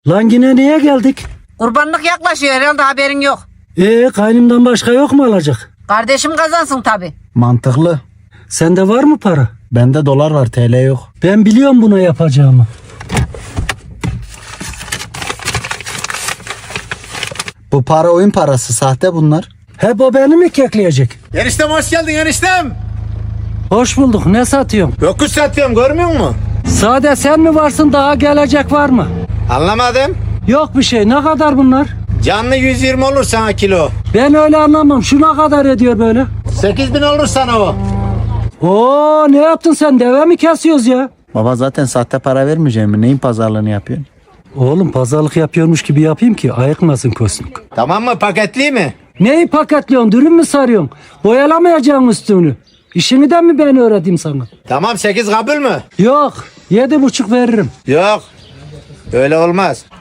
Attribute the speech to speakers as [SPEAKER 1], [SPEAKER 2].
[SPEAKER 1] Lan yine niye geldik?
[SPEAKER 2] Kurbanlık yaklaşıyor herhalde, haberin yok.
[SPEAKER 1] Kaynımdan başka yok mu alacak?
[SPEAKER 2] Kardeşim kazansın tabi.
[SPEAKER 3] Mantıklı.
[SPEAKER 1] Sende var mı para?
[SPEAKER 3] Bende dolar var, TL yok.
[SPEAKER 1] Ben biliyorum buna yapacağımı.
[SPEAKER 3] Bu para oyun parası, sahte bunlar.
[SPEAKER 1] Hep o beni mi kekleyecek?
[SPEAKER 4] Eniştem hoş geldin eniştem.
[SPEAKER 1] Hoş bulduk. Ne satıyorsun?
[SPEAKER 4] Yokuş satıyorum, görmüyor musun?
[SPEAKER 1] Sade sen mi varsın, daha gelecek var mı?
[SPEAKER 4] Anlamadım.
[SPEAKER 1] Yok bir şey. Ne kadar bunlar?
[SPEAKER 4] Canlı 120 olur sana kilo.
[SPEAKER 1] Ben öyle anlamam. Şu ne kadar ediyor böyle?
[SPEAKER 4] 8000 olur sana o.
[SPEAKER 1] Oo, ne yaptın sen? Deve mi kesiyoruz ya?
[SPEAKER 3] Baba zaten sahte para vermeyeceğim mi? Neyin pazarlığını yapıyorsun?
[SPEAKER 1] Oğlum pazarlık yapıyormuş gibi yapayım ki ayıkmasın kosmik.
[SPEAKER 4] Tamam mı, paketli mi?
[SPEAKER 1] Neyi paketliyorsun? Dürüm mü sarıyorsun? Boyalamayacaksın üstünü. İşini de mi ben öğreteyim sana?
[SPEAKER 4] Tamam, 8 kabul mü?
[SPEAKER 1] Yok. 7,5 veririm.
[SPEAKER 4] Yok. Öyle olmaz.